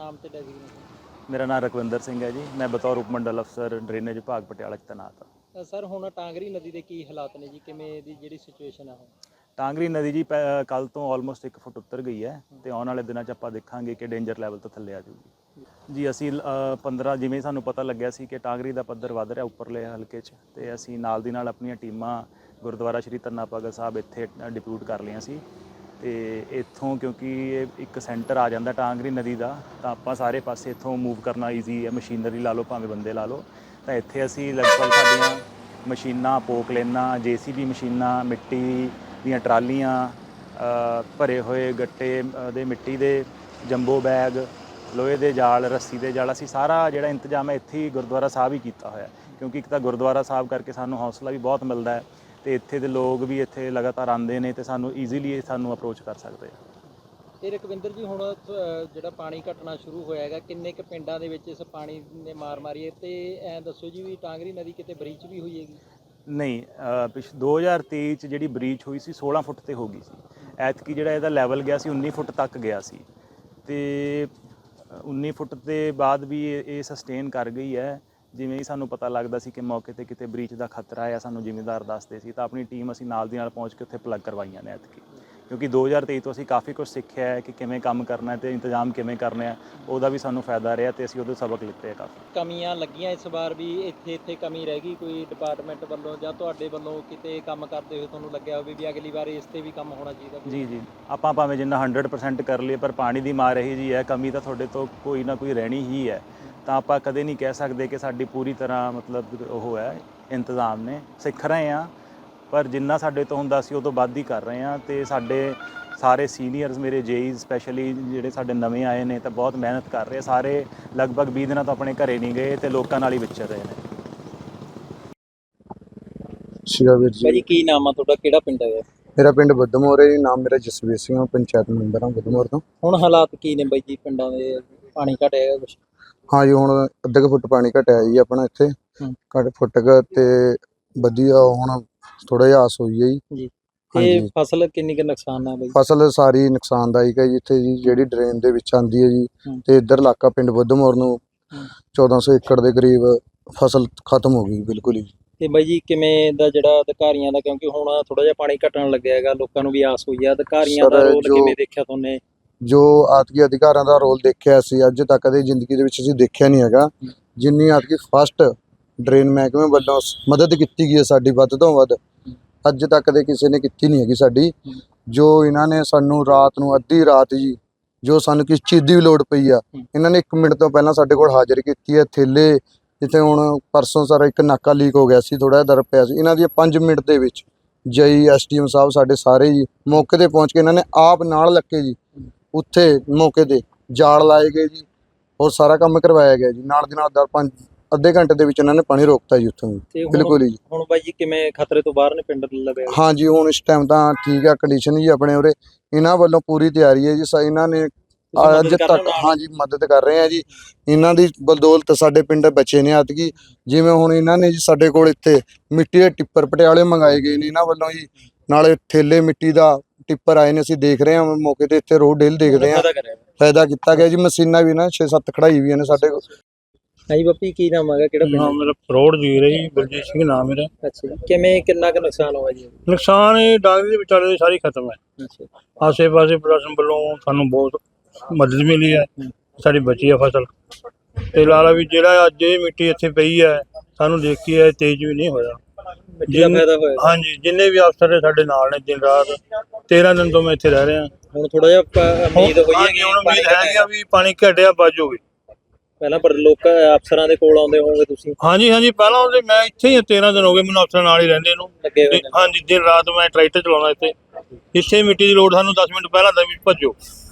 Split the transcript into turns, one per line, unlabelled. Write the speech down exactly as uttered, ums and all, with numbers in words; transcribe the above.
ਨਾਮ ਤੇ ਡੈਜ਼ਿਗਨੇਸ਼ਨ?
ਮੇਰਾ ਨਾਮ ਰਕਵਿੰਦਰ ਸਿੰਘ ਹੈ ਜੀ। ਮੈਂ ਬਤੌਰ ਉਪ ਮੰਡਲ ਅਫਸਰ ਡਰੇਨੇਜ ਵਿਭਾਗ ਪਟਿਆਲਾ 'ਚ ਤੈਨਾਤ ਹਾਂ।
ਸਰ ਹੁਣ ਟਾਂਗਰੀ ਨਦੀ ਦੇ ਕੀ ਹਾਲਾਤ ਨੇ ਜੀ, ਕਿਵੇਂ ਦੀ ਜਿਹੜੀ ਸਿਚੁਏਸ਼ਨ ਆ ਹੁਣ?
ਟਾਂਗਰੀ ਨਦੀ ਜੀ ਕੱਲ ਤੋਂ ਆਲਮੋਸਟ ਇੱਕ ਫੁੱਟ ਉੱਤਰ ਗਈ ਹੈ ਤੇ ਆਉਣ ਵਾਲੇ ਦਿਨਾਂ 'ਚ ਆਪਾਂ ਦੇਖਾਂਗੇ ਕਿ ਡੇਂਜਰ ਲੈਵਲ ਤੋਂ ਥੱਲੇ ਆ ਜਾਊਗੀ ਜੀ। ਅਸੀਂ ਪੰਦਰਾਂ ਜਿਵੇਂ ਸਾਨੂੰ ਪਤਾ ਲੱਗਿਆ ਸੀ ਕਿ ਟਾਂਗਰੀ ਦਾ ਪੱਧਰ ਵੱਧ ਰਿਹਾ ਉੱਪਰਲੇ ਹਲਕੇ 'ਚ, ਤੇ ਅਸੀਂ ਨਾਲ ਦੀ ਨਾਲ ਆਪਣੀਆਂ ਟੀਮਾਂ ਗੁਰਦੁਆਰਾ ਸ਼੍ਰੀ ਧੰਨਾ ਭਗਤ ਸਾਹਿਬ ਇੱਥੇ ਡਿਪਿਊਟ ਕਰ ਲਈਆਂ ਸੀ। ਤੇ ਇੱਥੋਂ ਕਿਉਂਕਿ ਇਹ ਇੱਕ ਸੈਂਟਰ ਆ ਜਾਂਦਾ ਟਾਂਗਰੀ ਨਦੀ ਦਾ, ਤਾਂ ਆਪਾਂ ਸਾਰੇ ਪਾਸੇ ਇੱਥੋਂ ਮੂਵ ਕਰਨਾ ਈਜ਼ੀ ਹੈ। ਮਸ਼ੀਨਰੀ ਲਾ ਲਓ ਭਾਵੇਂ ਬੰਦੇ ਲਾ ਲਓ, ਤਾਂ ਇੱਥੇ ਅਸੀਂ ਲਗਭਗ ਸਾਡੀਆਂ ਮਸ਼ੀਨਾਂ, ਪੋਕਲੇਨਾਂ, ਜੇ ਸੀ ਬੀ ਮਸ਼ੀਨਾਂ, ਮਿੱਟੀ ਦੀਆਂ ਟਰਾਲੀਆਂ, ਭਰੇ ਹੋਏ ਗੱਟੇ ਦੇ ਮਿੱਟੀ ਦੇ, ਜੰਬੋ ਬੈਗ, ਲੋਹੇ ਦੇ ਜਾਲ, ਰੱਸੀ ਦੇ ਜਾਲ, ਅਸੀਂ ਸਾਰਾ ਜਿਹੜਾ ਇੰਤਜ਼ਾਮ ਹੈ ਇੱਥੇ ਹੀ ਗੁਰਦੁਆਰਾ ਸਾਹਿਬ ਹੀ ਕੀਤਾ ਹੋਇਆ। ਕਿਉਂਕਿ ਇੱਕ ਤਾਂ ਗੁਰਦੁਆਰਾ ਸਾਹਿਬ ਕਰਕੇ ਸਾਨੂੰ ਹੌਸਲਾ ਵੀ ਬਹੁਤ ਮਿਲਦਾ ਹੈ, ਤੇ ਇੱਥੇ ਦੇ ਲੋਕ ਵੀ ਇੱਥੇ ਲਗਾਤਾਰ ਆਉਂਦੇ ਨੇ ਤੇ ਸਾਨੂੰ ਈਜ਼ੀਲੀ ਸਾਨੂੰ ਅਪਰੋਚ ਕਰ ਸਕਦੇ ਆ।
ਤੇ ਰਕਵਿੰਦਰ ਜੀ, ਹੁਣ ਜਿਹੜਾ ਪਾਣੀ ਘਟਣਾ ਸ਼ੁਰੂ ਹੋਇਆ ਹੈਗਾ, ਕਿੰਨੇ ਕੁ ਪਿੰਡਾਂ ਦੇ ਵਿੱਚ ਇਸ ਪਾਣੀ ਨੇ ਮਾਰ ਮਾਰੀ ਹੈ? ਤੇ ਐਂ ਦੱਸੋ ਜੀ ਵੀ ਟਾਂਗਰੀ ਨਦੀ ਕਿਤੇ ਬਰੀਚ ਵੀ ਹੋਈ ਹੈਗੀ?
ਨਹੀਂ, ਪਿਛ ਦੋ ਹਜ਼ਾਰ ਤੇਈ 'ਚ ਜਿਹੜੀ ਬਰੀਚ ਹੋਈ ਸੀ ਸੋਲਾਂ ਫੁੱਟ ਤੇ ਹੋ ਗਈ ਸੀ। ਐਤਕੀ ਜਿਹੜਾ ਇਹਦਾ ਲੈਵਲ ਗਿਆ ਸੀ ਉੱਨੀ ਫੁੱਟ ਤੱਕ ਗਿਆ ਸੀ, ਤੇ ਉੱਨੀ ਫੁੱਟ ਦੇ ਬਾਅਦ ਵੀ ਇਹ ਸਸਟੇਨ ਕਰ ਗਈ ਹੈ। ਜਿਵੇਂ ਹੀ ਸਾਨੂੰ ਪਤਾ ਲੱਗਦਾ ਸੀ ਕਿ ਮੌਕੇ 'ਤੇ ਕਿਤੇ ਬਰੀਚ ਦਾ ਖਤਰਾ ਹੈ, ਸਾਨੂੰ ਜ਼ਿਮੀਂਦਾਰ ਦੱਸਦੇ ਸੀ, ਤਾਂ ਆਪਣੀ ਟੀਮ ਅਸੀਂ ਨਾਲ ਦੀ ਨਾਲ ਪਹੁੰਚ ਕੇ ਉੱਥੇ ਪਲੱਗ ਕਰਵਾਈਆਂ ਨੇ ਐਤਕੀ। ਕਿਉਂਕਿ ਦੋ ਹਜ਼ਾਰ ਤੇਈ ਤੋਂ ਅਸੀਂ ਕਾਫੀ ਕੁਝ ਸਿੱਖਿਆ ਹੈ ਕਿ ਕਿਵੇਂ ਕੰਮ ਕਰਨਾ ਅਤੇ ਇੰਤਜ਼ਾਮ ਕਿਵੇਂ ਕਰਨੇ ਆ, ਉਹਦਾ ਵੀ ਸਾਨੂੰ ਫਾਇਦਾ ਰਿਹਾ ਤੇ ਅਸੀਂ ਉਹਦੇ ਸਬਕ ਲਿੱਤੇ ਆ ਕਾਫੀ।
ਕਮੀਆਂ ਲੱਗੀਆਂ ਇਸ ਵਾਰ ਵੀ ਇੱਥੇ ਇੱਥੇ ਕਮੀ ਰਹਿ ਗਈ ਕੋਈ ਡਿਪਾਰਟਮੈਂਟ ਵੱਲੋਂ ਜਾਂ ਤੁਹਾਡੇ ਵੱਲੋਂ ਕਿਤੇ ਕੰਮ ਕਰਦੇ ਹੋਏ ਤੁਹਾਨੂੰ ਲੱਗਿਆ ਹੋਵੇ ਵੀ ਅਗਲੀ ਵਾਰ ਇਸ 'ਤੇ ਵੀ ਕੰਮ ਹੋਣਾ ਚਾਹੀਦਾ?
ਜੀ ਜੀ, ਆਪਾਂ ਭਾਵੇਂ ਜਿੰਨਾ ਹੰਡਰਡ ਪਰਸੈਂਟ ਕਰ ਲਈਏ, ਪਰ ਪਾਣੀ ਦੀ ਮਾਰ ਇਹੀ ਜੀ ਹੈ, ਕਮੀ ਤਾਂ ਤੁਹਾਡੇ ਤੋਂ ਕੋਈ ਨਾ ਕੋਈ ਰਹਿਣੀ ਹੀ ਹੈ। ਤਾਂ ਆਪਾਂ ਕਦੇ ਨਹੀਂ ਕਹਿ ਸਕਦੇ ਕਿ ਸਾਡੀ ਪੂਰੀ ਤਰ੍ਹਾਂ ਮਤਲਬ ਉਹ ਹੈ ਇੰਤਜ਼ਾਮ ਨੇ। ਸਿੱਖ ਰਹੇ ਹਾਂ, ਪਰ ਜਿੰਨਾ ਸਾਡੇ ਤੋਂ ਹੁੰਦਾ ਸੀ ਉਹ ਤੋਂ ਵੱਧ ਹੀ ਕਰ ਰਹੇ ਹਾਂ। ਅਤੇ ਸਾਡੇ ਸਾਰੇ ਸੀਨੀਅਰਸ, ਮੇਰੇ ਜੇਈ ਸਪੈਸ਼ਲੀ ਜਿਹੜੇ ਸਾਡੇ ਨਵੇਂ ਆਏ ਨੇ, ਤਾਂ ਬਹੁਤ ਮਿਹਨਤ ਕਰ ਰਹੇ। ਸਾਰੇ ਲਗਭਗ ਵੀਹ ਦਿਨਾਂ ਤੋਂ ਆਪਣੇ ਘਰੇ ਨਹੀਂ ਗਏ ਅਤੇ ਲੋਕਾਂ ਨਾਲ ਹੀ ਵਿਚਰ ਰਹੇ ਨੇ।
ਸ਼ਿਵਾ ਵੀਰ ਜੀ।
ਭਾਜੀ ਕੀ ਨਾਮ ਆ ਤੁਹਾਡਾ, ਕਿਹੜਾ ਪਿੰਡ ਹੈ?
ਮੇਰਾ ਪਿੰਡ ਬੁੱਧਮੋਰ ਹੈ ਜੀ। ਨਾਮ ਮੇਰਾ ਜਸਵੀਰ ਸਿੰਘ ਆ, ਪੰਚਾਇਤ ਮੈਂਬਰ ਹਾਂ ਬੁੱਧਮੋਰ ਤੋਂ।
ਹੁਣ ਹਾਲਾਤ ਕੀ ਨੇ ਬਾਈ ਜੀ ਪਿੰਡਾਂ ਦੇ? ਪਾਣੀ ਘਟਿਆ ਕੁਛ?
ਹਾਂ ਜੀ, ਹੁਣ ਅੱਧੇ ਕੁ ਫੁੱਟ ਪਾਣੀ ਘਟਿਆ ਜੀ ਆਪਣਾ ਇੱਥੇ, ਘੱਟ ਫੁੱਟ ਕੁ, ਤੇ ਵਧੀਆ ਹੁਣ ਥੋੜਾ ਜਿਹਾ ਆਸ ਹੋਈ ਹੈ ਜੀ।
ਜੀ, ਤੇ ਫਸਲ ਕਿੰਨੀ ਕੁ ਨੁਕਸਾਨ ਆ ਬਾਈ?
ਫਸਲ ਸਾਰੀ ਨੁਕਸਾਨਦਾਇਕ ਹੈ ਜੀ ਇੱਥੇ ਜੀ, ਜਿਹੜੀ ਡਰੇਨ ਦੇ ਵਿੱਚ ਆਉਂਦੀ ਹੈ ਜੀ। ਤੇ ਇੱਧਰ ਇਲਾਕਾ ਪਿੰਡ ਬੁੱਧਮੋਰ ਨੂੰ ਚੌਦਾਂ ਸੌ ਏਕੜ ਦੇ ਕਰੀਬ ਫਸਲ ਖਤਮ ਹੋ ਗਈ ਬਿਲਕੁਲ ਹੀ।
ਤੇ ਬਾਈ ਜੀ ਕਿਵੇਂ ਦਾ ਜਿਹੜਾ ਅਧਿਕਾਰੀਆਂ ਦਾ, ਕਿਉਂਕਿ ਹੁਣ ਥੋੜਾ ਜਿਹਾ ਪਾਣੀ ਘਟਣ ਲੱਗਿਆ ਹੈਗਾ, ਲੋਕਾਂ ਨੂੰ ਵੀ ਆਸ ਹੋਈ ਆ, ਅਧਿਕਾਰੀਆਂ ਦਾ ਰੋਲ ਕਿਵੇਂ ਦੇਖਿਆ ਤੁਹਾਨੇ?
ਜੋ ਆਤਕੀ ਅਧਿਕਾਰਾਂ ਦਾ ਰੋਲ ਦੇਖਿਆ ਸੀ ਅੱਜ ਤੱਕ ਕਦੇ ਜ਼ਿੰਦਗੀ ਦੇ ਵਿੱਚ ਅਸੀਂ ਦੇਖਿਆ ਨਹੀਂ ਹੈਗਾ। ਜਿੰਨੀ ਆਤਕੀ ਫਸਟ ਡਰੇਨ ਮਹਿਕਮੇ ਵੱਲੋਂ ਮਦਦ ਕੀਤੀ ਗਈ ਹੈ ਸਾਡੀ, ਵੱਧ ਤੋਂ ਵੱਧ ਅੱਜ ਤੱਕ ਦੇ ਕਿਸੇ ਨੇ ਕੀਤੀ ਨਹੀਂ ਹੈਗੀ ਸਾਡੀ। ਜੋ ਇਹਨਾਂ ਨੇ ਸਾਨੂੰ ਰਾਤ ਨੂੰ ਅੱਧੀ ਰਾਤ ਜੀ, ਜੋ ਸਾਨੂੰ ਕਿਸ ਚੀਜ਼ ਦੀ ਵੀ ਲੋੜ ਪਈ ਆ, ਇਹਨਾਂ ਨੇ ਇੱਕ ਮਿੰਟ ਤੋਂ ਪਹਿਲਾਂ ਸਾਡੇ ਕੋਲ ਹਾਜ਼ਰ ਕੀਤੀ ਹੈ। ਥੇਲੇ ਜਿੱਥੇ ਹੁਣ ਪਰਸੋਂ ਸਾਰਾ ਇੱਕ ਨਾਕਾ ਲੀਕ ਹੋ ਗਿਆ ਸੀ, ਥੋੜਾ ਜਿਹਾ ਦਰ ਪਿਆ ਸੀ, ਇਹਨਾਂ ਦੀਆਂ ਪੰਜ ਮਿੰਟ ਦੇ ਵਿੱਚ ਜਈ ਐਸ ਡੀ ਐਮ ਸਾਹਿਬ ਸਾਡੇ ਸਾਰੇ ਜੀ ਮੌਕੇ ਤੇ ਪਹੁੰਚ ਕੇ ਇਹਨਾਂ ਨੇ ਆਪ ਨਾਲ ਲੱਗੇ ਜੀ, ਉੱਥੇ ਮੌਕੇ ਤੇ ਜਾਲ ਲਾਏ ਗਏ ਜੀ, ਔਰ ਸਾਰਾ ਕੰਮ ਕਰਵਾਇਆ ਗਿਆ ਜੀ। ਨਾਲ ਦੀ ਨਾਲ ਦਰ ਪੰਜ ਅੱਧੇ ਘੰਟੇ ਦੇ ਵਿੱਚ ਇਹਨਾਂ ਨੇ ਪਾਣੀ ਰੋਕਤਾ ਜੀ ਉੱਥੋਂ ਜੀ, ਬਿਲਕੁਲ ਜੀ।
ਹੁਣ ਬਾਈ ਜੀ ਕਿਵੇਂ ਖਤਰੇ ਤੋਂ ਬਾਹਰ ਨੇ ਪਿੰਡ ਲਵੇ?
ਹਾਂ ਜੀ, ਹੁਣ ਇਸ ਟਾਈਮ ਤਾਂ ਠੀਕ ਆ ਕੰਡੀਸ਼ਨ ਜੀ ਆਪਣੇ ਉਰੇ। ਇਹਨਾਂ ਵੱਲੋਂ ਪੂਰੀ ਤਿਆਰੀ ਹੈ ਜੀ, ਇਹਨਾਂ ਨੇ ਅੱਜ ਤੱਕ ਹਾਂ ਜੀ ਮਦਦ ਕਰ ਰਹੇ ਆ ਜੀ। ਇਹਨਾਂ ਦੀ ਬਦੌਲਤ ਸਾਡੇ ਪਿੰਡ ਬਚੇ ਨੇ ਐਤਕੀ। ਜਿਵੇਂ ਹੁਣ ਇਹਨਾਂ ਨੇ ਜੀ ਸਾਡੇ ਕੋਲ ਇੱਥੇ ਮਿੱਟੀ ਦੇ ਟਿੱਪਰ ਪਟਿਆਲੇ ਮੰਗਾਏ ਗਏ ਨੇ ਇਹਨਾਂ ਵੱਲੋਂ ਜੀ, ਨਾਲੇ ਥੇਲੇ ਮਿੱਟੀ ਦਾ ਟਿੱਪਰ ਆਏ ਨੇ। ਅਸੀਂ ਦੇਖ ਰਹੇ ਹਾਂ ਮੌਕੇ ਤੇ, ਇੱਥੇ ਰੋਡ ਡੇਲ ਦੇਖਦੇ ਹਾਂ, ਫਾਇਦਾ ਕੀਤਾ ਗਿਆ ਜੀ। ਮਸ਼ੀਨਾਂ ਵੀ ਨਾ ਛੇ ਸੱਤ ਖੜਾਈ ਵੀ ਨੇ ਸਾਡੇ ਕੋਲ।
ਹਾਂਜੀ ਬੱਪੀ, ਕੀ ਨਾਮ ਹੈਗਾ, ਕਿਹੜਾ ਪਿੰਡ?
ਨਾਮ ਮੇਰਾ ਫਰੋੜ ਜੀ ਰਹੀ, ਬਲਜੀਤ ਸਿੰਘ ਨਾਮ ਮੇਰਾ।
ਅੱਛਾ ਜੀ, ਕਿਵੇਂ ਕਿੰਨਾ ਕੁ ਨੁਕਸਾਨ ਹੋਇਆ ਜੀ?
ਨੁਕਸਾਨ ਇਹ ਡਾਂਗਰੀ ਦੇ ਵਿਚਾਲੇ ਸਾਰੀ ਖਤਮ ਹੈ।
ਅੱਛਾ,
ਆਸੇ ਪਾਸੇ ਪ੍ਰਸ਼ਾਸਨ ਵੱਲੋਂ ਸਾਨੂੰ ਬਹੁਤ ਮਦਦ ਮਿਲੀ ਹੈ, ਸਾਡੀ ਬਚੀ ਆ ਫਸਲ। ਤੇ ਲਾਲਾ ਵੀ ਜਿਹੜਾ ਅੱਜ ਇਹ ਮਿੱਟੀ ਇੱਥੇ ਪਈ ਹੈ, ਸਾਨੂੰ ਦੇਖੀ ਹੈ ਤੇਜ਼ ਵੀ ਨਹੀਂ ਹੋਇਆ। ਹਾਂਜੀ, ਜਿੰਨੇ ਵੀ ਅਫਸਰ ਸਾਡੇ ਨਾਲ ਨੇ ਦਿਨ ਰਾਤ, ਤੇਰਾਂ ਦਿਨ ਤੋਂ ਮੈਂ ਇੱਥੇ ਰਹਿ ਰਿਹਾ।
ਹੁਣ ਥੋੜਾ ਜਿਹਾ ਉਮੀਦ ਹੋਈ ਹੈ ਕਿ
ਹੁਣ ਉਮੀਦ ਹੈ ਵੀ ਪਾਣੀ ਘਟਿਆ ਬਾਜੂਗੀ।
ਪਹਿਲਾਂ ਪਰ ਲੋਕ ਅਫਸਰਾਂ ਦੇ ਕੋਲ ਆਉਂਦੇ ਹੋਵੋਗੇ ਤੁਸੀਂ?
ਹਾਂਜੀ ਹਾਂਜੀ, ਪਹਿਲਾਂ ਉਹਦੇ ਮੈਂ ਇੱਥੇ ਹੀ ਤੇਰਾਂ ਦਿਨ ਹੋ ਗਏ ਮੈਨੂੰ ਅਫਸਰਾਂ ਨਾਲ ਹੀ ਰਹਿੰਦੇ ਨੂੰ। ਹਾਂਜੀ, ਦਿਨ ਰਾਤ ਮੈਂ ਟਰੈਕਟਰ ਚਲਾਉਣਾ ਇੱਥੇ। ਇੱਥੇ ਮਿੱਟੀ ਦੀ ਲੋੜ ਸਾਨੂੰ ਦਸ ਮਿੰਟ ਪਹਿਲਾਂ ਦਾ ਵੀ ਭੱਜੋ।